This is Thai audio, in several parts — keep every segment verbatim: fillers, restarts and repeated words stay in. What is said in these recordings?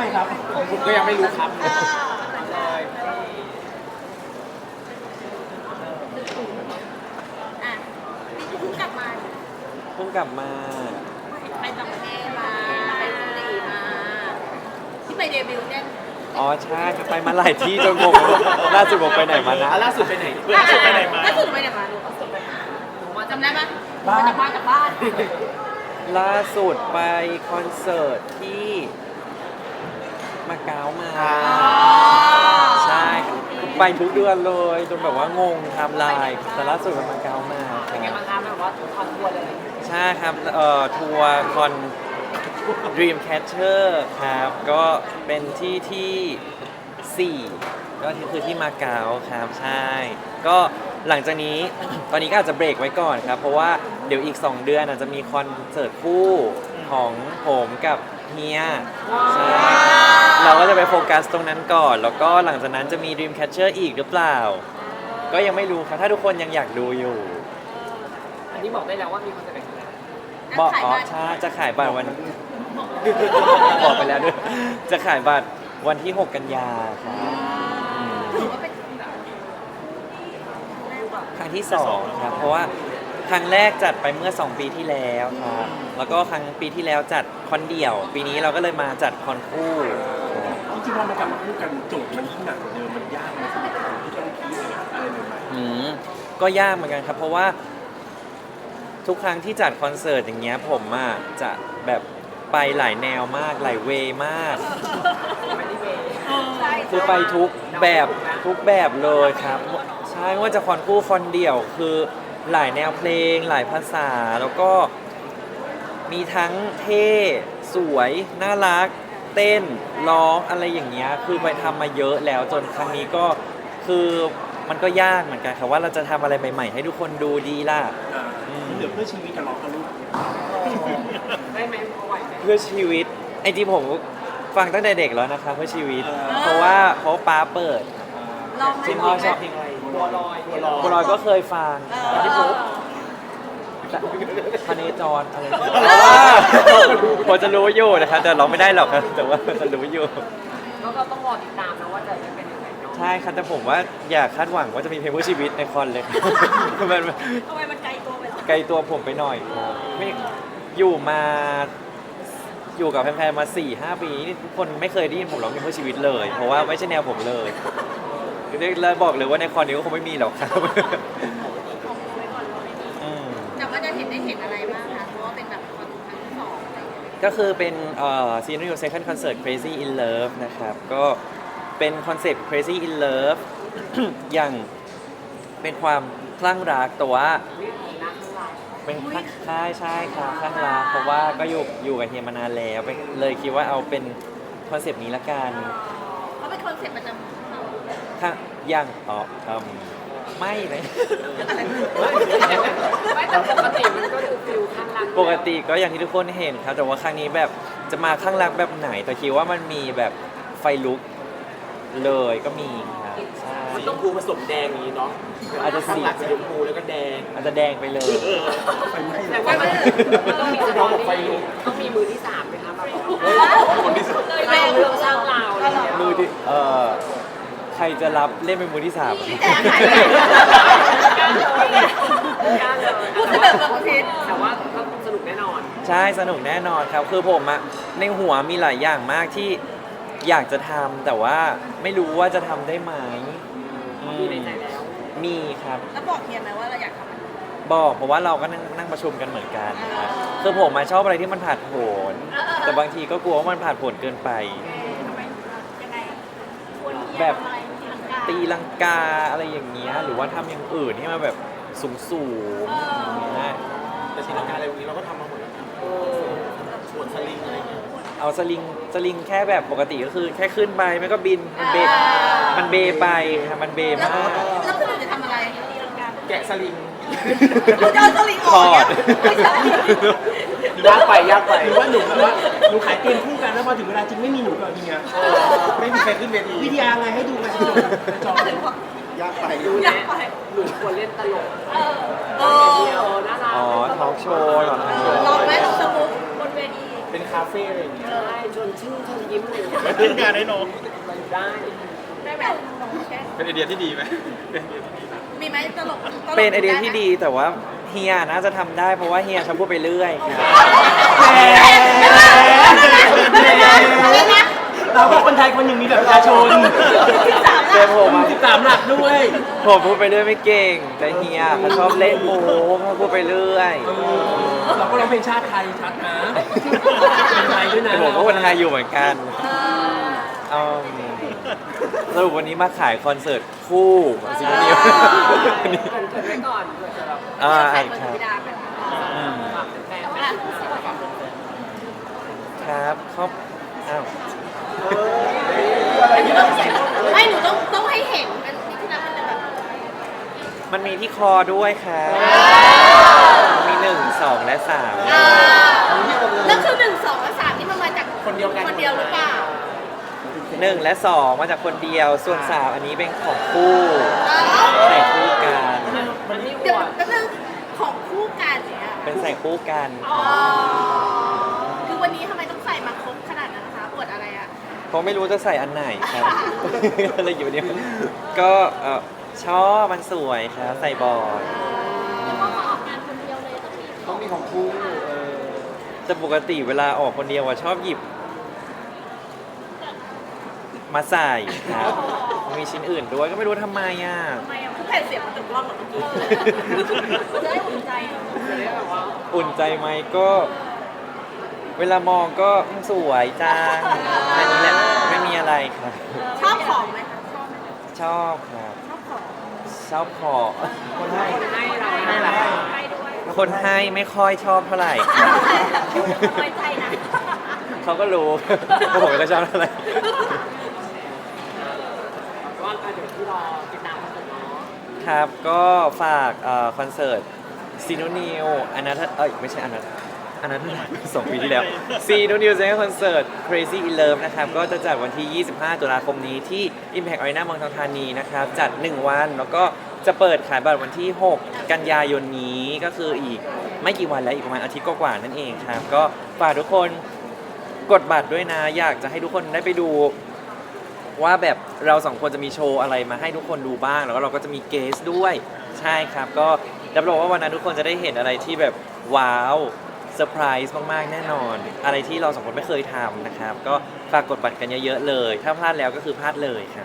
ครับผมก็ยังไม่รู้ครับเออเลยอ่ะนี่คือเพิ่งกลับมาเพิ่งกลับมาไปต่างประเทศมาไปเกาหลีมาที่ไปเดบิวต์เนี่ยอ๋อใช่ไปมาหลายที่จนงงล่าสุดผมไปไหนมานะอ่ะล่าสุดไปไหนล่าสุดไปไหนมาล่าสุดไปไหนมาลูกล่าสุดไปไหนหนูมาจำได้ปะบ้านมาจากบ้านล่าสุดไปคอนเสิร์ตที่มาเก๊ามาอ่าใช่ไปทุกเดือนเลยจนแบบว่างงไทม์ไลน์แต่ล่าสุดไปมาเก๊ามาเป็นไงบ้างครับแบบว่าคอนทัวร์เลยใช่ครับเอ่อทัวร์คอน Dreamcatcher ครับก็เป็นที่ที่สี่ก็คือที่มาเก๊าครับใช่ ก็หลังจากนี้ ตอนนี้ก็อาจจะเบรกไว้ก่อนครับ เพราะว่าเดี๋ยวอีก สอง เดือนอาจจะมีคอนเสิร์ตคู่ของผมกับเฮียใช่เราก็จะไปโฟกัสตรงนั้นก่อน แล้วก็หลังจากนั้นจะมี Dreamcatcher อีกหรือเปล่า ก็ยังไม่รู้ครับ ถ้าทุกคนยังอยากดูอยู่อันนี้บอกได้แล้วว่ามีคอนเสิร์ตไหนบอกอ๋อใช่จะขายบัตรวัน บอกไปแล้วด้วย จะขายบัตรวันที่ หก กันยาครับถือว่าเป็นแบบครั้งที่สองครับ เพราะว่าครั้งแรกจัดไปเมื่อ สอง ปีที่แล้วครับ แล้วก็ครั้งปีที่แล้วจัดคอนเดี่ยว ปีนี้เราก็เลยมาจัดคอนคู่ครับจริงๆเรามากลับมาพูดกันโจทย์มันยิ่งหนักกว่าเดิมมันยากไหมสำหรับเราที่ต้องคิดอะไรใหม่ๆอืมก็ยากเหมือนกันครับ เพราะว่าทุกครั้งที่จัดคอนเสิร์ตอย่างเงี้ยผมอ่ะจะแบบไปหลายแนวมากหลายเวย์มากใช่คือไปทุกแบบทุกแบบเลยครับใช่ไม่ว่าจะคอนคู่คอนเดี่ยวคือหลายแนวเพลง หลายภาษาแล้วก็มีทั้งเท่สวยน่ารัก เต้นร้องอะไรอย่างเงี้ยคือไปทำมาเยอะแล้วจนครั้งนี้ก็คือมันก็ยากเหมือนกันครับว่าเราจะทำอะไรใหม่ๆให้ทุกคนดูดีล่ะอ่ามันเหลือเพื่อชีวิตกับเรากับลูกได้ไหมพอไหวไหมเพื่อชีวิตไอ้ที่ผมฟังตั้งแต่เด็กแล้วนะคะเพื่อชีวิต เพราะว่าเพราะว่าป้าเปิดลองไหมจริงพ่อชอบเพลงอะไรบัวลอยบัวลอยบัวลอยก็เคยฟังเออที่ผมพเนจรอะไรผมจะรู้อยู่นะครับแต่ร้องไม่ได้หรอกครับแต่ว่าจะรู้อยู่แล้วก็ต้องรอติดตามนะว่าจะได้เป็นยังไงเนาะใช่ครับแต่ผมว่าอย่าคาดหวังว่าจะมีเพลงเพื่อชีวิตในคอนเลย มันทำไมมันไกลตัวไปหรอไกลตัวผมไปหน่อยครับไม่อยู่มาอยู่กับแฟนๆมา สี่ห้า ปีนี่ทุกคนไม่เคยได้ยินผมร้องเพลงเพื่อชีวิตเลย เพราะว่าไม่ใช่แนวผมเลยเลยบอกเลยว่าในคอนนี้ก็คงไม่มีหรอกครับ อืมแต่ว่าจะเห็นได้เห็นอะไรบ้างคะเพราะว่าเป็นแบบคอนครั้งที่สองอะไรอย่างเงี้ยก็คือเป็นเอ่อ Senior Second Concert Crazy in Love นะครับ ก็เป็นคอนเซ็ปต์ Crazy in Love อย่างเป็นความคลั่งรักแต่ว่าเป็นคลั่งใช่ใช่ครับคลั่งรักเพราะว่าก็อยู่อยู่กับเฮียมานานแล้วไปเลยคิดว่าเอาเป็นคอนเซปต์นี้ละกันเขาเป็นคอนเซ็ปต์ประจำเขาถ้าอย่างอ๋ออืมไม่เลยไม่แต่ปกติมันก็คือฟิลข้างล่างปกติก็อย่างที่ทุกคนเห็นครับ แต่ว่าครั้งนี้แบบจะมาข้างรักแบบไหน แต่คิดว่ามันมีแบบไฟลุกเลยก็มีครับใช่มันต้องพูผสมแดงอย่างนี้เนาะอาจจะสีข้างหลังสีชมพูแล้วก็แดงอาจจะแดงไปเลยไฟไหม้แต่ว่ามันต้องมีสตอรี่ต้องมีมือที่สามไหมคะมาบอกคนที่สามเล่าเรื่องสร้างราวอะไรอย่างเงี้ยมือที่เอ่อใครจะรับเล่นเป็นมือที่สามพี่แจ๊คไหนกล้าเลยกล้าเลยพูดแบบแบบพิษแต่ว่าก็สนุกแน่นอนใช่สนุกแน่นอนครับ คือผมอะในหัวมีหลายอย่างมากที่อยากจะทำแต่ว่าไม่รู้ว่าจะทำได้ไหมอืมมีในใจแล้วมีครับแล้วบอกเฮียไหมว่าเราอยากทำอะไรบอกเพราะว่าเราก็นั่งนั่งประชุมกันเหมือนกันครับคือผมมาชอบอะไรที่มันผ่านโผนแต่บางทีก็กลัวว่ามันผ่านโผนเกินไปยังไงชวนเฮียแบบทำอะไรที่หลังการตีลังกาอะไรอย่างเงี้ยหรือว่าทำอย่างอื่นที่มันแบบสูงสูงๆอย่างเงี้ยแต่ศิลปะอะไรพวกนี้เราก็ทำมาหมดแล้วครับชวนสลิงอะไรเงี้ยเอาสลิงสลิงแค่แบบปกติก็คือแค่ขึ้นไปมันก็บินมันเบมันเบไปครับมันเบแล้วมากแล้วคือเราจะทำอะไรตีลังกาแกะสลิงเราจะเอาสลิงอถอกอดไม่ใช่ยากไปยากไปหรือว่าหนูแบบว่าหนูขายเกมคู่กันแล้วพอถึงเวลาจริงไม่มีหนูกับเฮียไม่มีใครขึ้นเวทีวิทยาไงให้ดูกันจบจบยากไปดูอแลยากไปหนูควรเล่นตลกเออเอเดียวอน่ารักอ๋อทอล์กโชว์เหรอลองไหมลองสมุกบนเวทีเป็นใคราเฟ่อะไรอย่างเงี้ยได้ชวนชื่นชวนยิ้มเลยเล่นงานได้น้องมาอยู่ได้ได้แบบแค่เป็นไอเดียที่ดีไหมมีไหมตลกตลกเป็นไอเดียที่ดีแต่ว่าเฮียน่าจะทำได้เพราะว่าเฮียชอบพูดไปเรื่อยครับเราก็คนไทยคนหนึ่งมีแบบประชาชนเจอผมอะสิบสามหลักด้วยผมพูดไปเรื่อยไม่เก่ง แต่เฮียเขาชอบเล่นโม้เขาพูดไปเรื่อยเราก็ร้องเพลงชาติไทยชัดนะเป็นไทยด้วยนะแต่ผมก็คนไทยอยู่เหมือนกันอืมสรุปวันนี้มาขายคอนเสิร์ตคู่ซิงเกิลเกินเกินไว้ก่อนเผื่อจะแบบอ่าใส่ครับพิดาไปอืมฝากแฟนครับครอบอ้าวไม่หนูต้องต้องให้เห็นเป็นที่นับเป็นแบบมันมีที่คอด้วยครับมีหนึ่งสองและสามอ่าแล้วคือหนึ่งสองและสามนี่มันมาจากคนเดียวกันคนเดียวหรือเปล่าหนึ่งและสองมาจากคนเดียว ส่วนสามอันนี้เป็นของคู่ใส่คู่กันมันนี่เดี๋ยวอวดแป๊บนึงของคู่กันเนี่ยเป็นใส่คู่กันอ๋อคือวันนี้ทำไมต้องใส่มาครบขนาดนั้นนะคะปวดอะไรอ่ะเพราะไม่รู้จะใส่อันไหนครับ อะไรอยู่เนี่ยก็เอ่อชอบมันสวยครับใส่บ่อยต้องมีของคู่เออแต่ปกติเวลาออกคนเดียวอะชอบหยิบ มาใส่ครับมีชิ้นอื่นด้วยก็ไม่รู้ทำไมอ่ะทำไมอ่ะคือแผ่นเสียงมันตึงร่องเหรอเมื่อกี้จะได้อุ่นใจอ่ะจะได้แบบว่าอุ่นใจไหมก็ เวลามองก็อืมสวยจังอันนี้แหละไม่มีอะไรครับชอบของไหมคะชอบไหมชอบครับชอบของชอบขอคนให้เราให้อะไรให้ด้วยคนให้ไม่ค่อยชอบเท่าไหร่ครับไว้ใจนะเขาก็รู้ ว่าผมไม่ค่อยชอบเท่าไหร่ว่าการเดี๋ยวที่รอติดตามกันเนาะครับก็ฝากเอ่อคอนเสิร์ตซีโนนิวอนัทเอ้ยไม่ใช่อนัทอนัทสองปีที่แล้วซีโนนิวเซนคอนเสิร์ต Crazy in Love นะครับก็จะจัดวันที่ ยี่สิบห้า ตุลาคมนี้ที่ Impact Arena เมืองทองธานีนะครับ จัด หนึ่ง วัน แล้วก็จะเปิดขายบัตรวันที่ หก กันยายนนี้ก็คืออีกไม่กี่วันแล้วอีกประมาณอาทิตย์กว่าๆนั่นเองครับ ก็ฝากทุกคนกดบัตรด้วยนะ อยากจะให้ทุกคนได้ไปดู ว่าแบบเราสองคนจะมีโชว์อะไรมาให้ทุกคนดูบ้าง แล้วก็เราก็จะมีเกสด้วยใช่ครับ ก็รับรองว่าวันนั้นทุกคนจะได้เห็นอะไรที่แบบว้าวเซอร์ไพรส์มากๆแน่นอน อะไรที่เราสองคนไม่เคยทำนะครับ ก็ฝากกดบัตรกันเยอะๆเลย ถ้าพลาดแล้วก็คือพลาดเลยครับ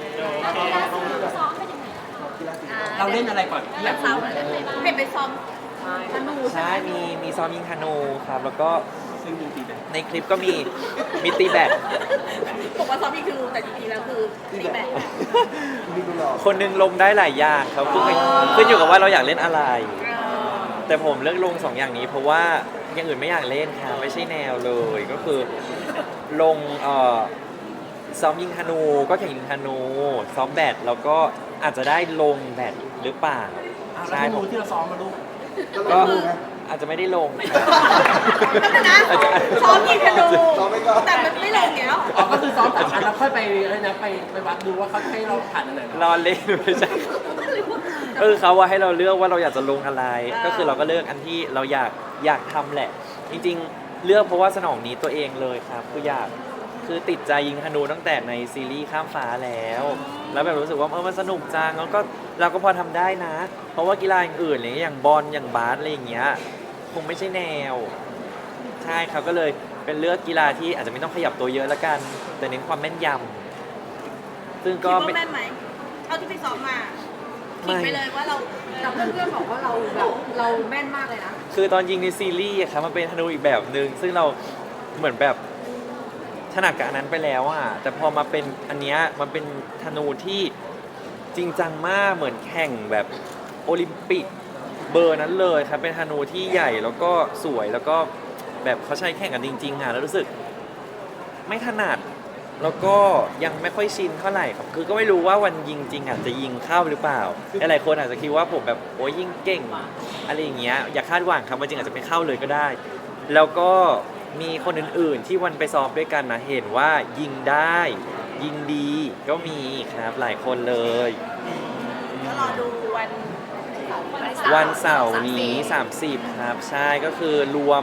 เราเล่นอะไรก่อนที่อยากซ้อรู้มเห็นไปซ้อมใช่ธนูใช่ มีมีซ้อมยิงธนูครับ แล้วก็ซึ่งจริงๆเป็นในคลิปก็มีมีตีแบดบอกว่าซ้อมยิงธนูแต่จริงๆแล้วคือตีแบดคนหนึงลงได้หลายอย่างครับขึ้นไปขึ้นอยู่กับว่าเราอยากเล่นอะไร แต่ผมเลือกลงสองอย่างนี้เพราะว่าอย่างอื่นไม่อยากเล่นครับไม่ใช่แนวเลยก็คือลงเอ่อซ้อมยิงธนูก็แข่งยิงธนูซ้อมแบดแล้วก็อาจจะได้ลงแบดหรือเปล่าอ่ะแล้วใช่ธผนูมที่เราซ้อมมาลูกก็อาจจะไม่ได้ลงครับก็นะซ้อมยิงธนูแต่มันไม่ลงเนี้ยอ๋อก็คือซ้อมสามอันแล้วค่อยไปอะไรนะไปไปวัดดูว่าเขาให้เราผ่านอันไหนรอเล่นไม่ใช่ก็คือเขาว่าให้เราเลือกว่าเราอยากจะลงอะไร ก็คือเราก็เลือกอันที่เราอยากอยากทำแหละ จริงๆ เลือกเพราะว่าสนองนี้ตัวเองเลยครับคืออยากคือติดใจยิงธนูตั้งแต่ในซีรีส์ข้ามฟ้าแล้ว แล้วแบบรู้สึกว่าเออมันสนุกจังแล้วก็เราก็พอทำได้นะ เพราะว่ากีฬาอื่นๆอะไรอย่างบอลอย่างบาสอะไรอย่างเงี้ยคงไม่ใช่แนว ใช่ครับก็เลยเป็นเลือกกีฬาที่อาจจะไม่ต้องขยับตัวเยอะละกัน แต่เน้นความแม่นยำซึ่งคิดก็ว่าไม่แม่นไหมเท่าที่ไปซ้อมมาคิดไปเลยว่าเราแต่เพื่อนๆบอกว่าเราแบบเราแม่นมากเลยนะคือตอนยิงในซีรีส์อะครับมันเป็นธนูอีกแบบหนึ่งซึ่งเราเหมือนแบบถนัดกับอันนั้นไปแล้วอะแต่พอมาเป็นอันเนี้ยมันเป็นธนูที่จริงจังมากเหมือนแข่งแบบโอลิมปิกเบอร์นั้นเลยครับเป็นธนูที่ใหญ่แล้วก็สวยแล้วก็แบบเขาใช้แข่งกันจริงๆอะแล้วรู้สึกไม่ถนัดแล้วก็ยังไม่ค่อยชินเท่าไหร่ครับคือก็ไม่รู้ว่าวันยิงจริงอ่ะจะยิงเข้าหรือเปล่าหลายๆคนอาจจะคิดว่าผมแบบโอ้ยยิงเก่งอะไรอย่างเงี้ยอย่าคาดหวังครับว่าจริงอาจจะไม่เข้าเลยก็ได้ แล้วก็มีคนอื่นๆที่วันไปซ้อมด้วยกันนะเห็นว่ายิงได้ ยิงดีก็มีครับหลายคนเลยก็รอดูวันวันเสาร์นี้สามสิบครับใช่ก็คือรวม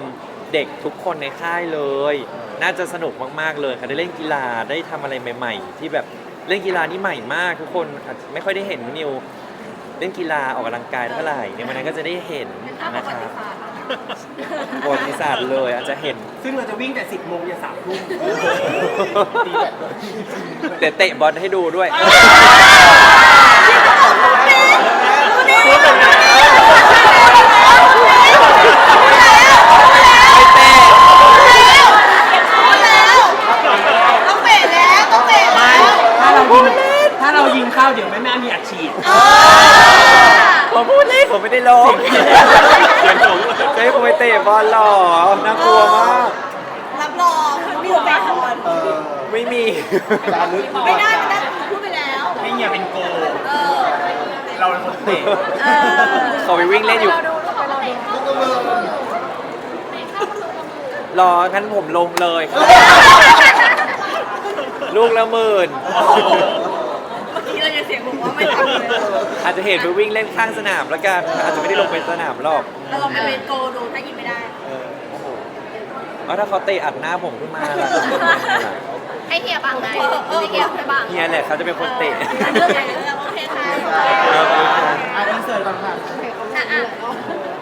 เด็กทุกคนในค่ายเลย น่าจะสนุกมากๆเลยค่ะได้เล่นกีฬาได้ทำอะไรใหม่ ๆ ที่แบบเล่นกีฬานี่ใหม่มากทุกคนอาจจะไม่ค่อยได้เห็นนิวเล่นกีฬาออกกำลังกายเท่าไหร่ในวันนั้นก็จะได้เห็นนะครับประวัติศาสตร์เลยอาจจะเห็นซึ่งเราจะวิ่งแต่สิบโมงยันสามทุ่มตีแบบเตะเตะบอลให้ดูด้วยต้องเบรกแล้วต้องเบรกไม่แล้วถ้าเรายิงถ้าเรายิงเข้าเดี๋ยวแม่แม่มีอัดฉีดผมพูดเล่นผมไม่ได้ลงจะให้ผมไปเตะบอลหรอน่ากลัวมากรับรองมีแฟนบอลเออไม่มีจารึกไม่ได้ไม่ได้พูดไปแล้วให้เฮียเป็นโกเออเราเป็นคนเตะเออขอไปวิ่งเล่นอยู่ รอ งั้นผมลงเลยครับลูกละหมื่นเมื่อกี้เราจะเสียงบอกว่าไม่ทำเลยอาจจะเห็นไปวิ่งเล่นข้างสนามแล้วกัน อาจจะไม่ได้ลงเป็นสนามหรอกเราลองไปเป็นโกดูถ้ายิงไม่ได้เออโอ้โหเอาถ้าเขาเตะอัดหน้าผมขึ้นมาล่ะให้เฮียบังไงให้เฮียให้บังเฮียแหละเขาจะเป็นคนเตะเรื่องใหญ่เลยโอเคค่ะอ่ะอินเสิร์ตก่อนค่ะอ่ะอ่ะ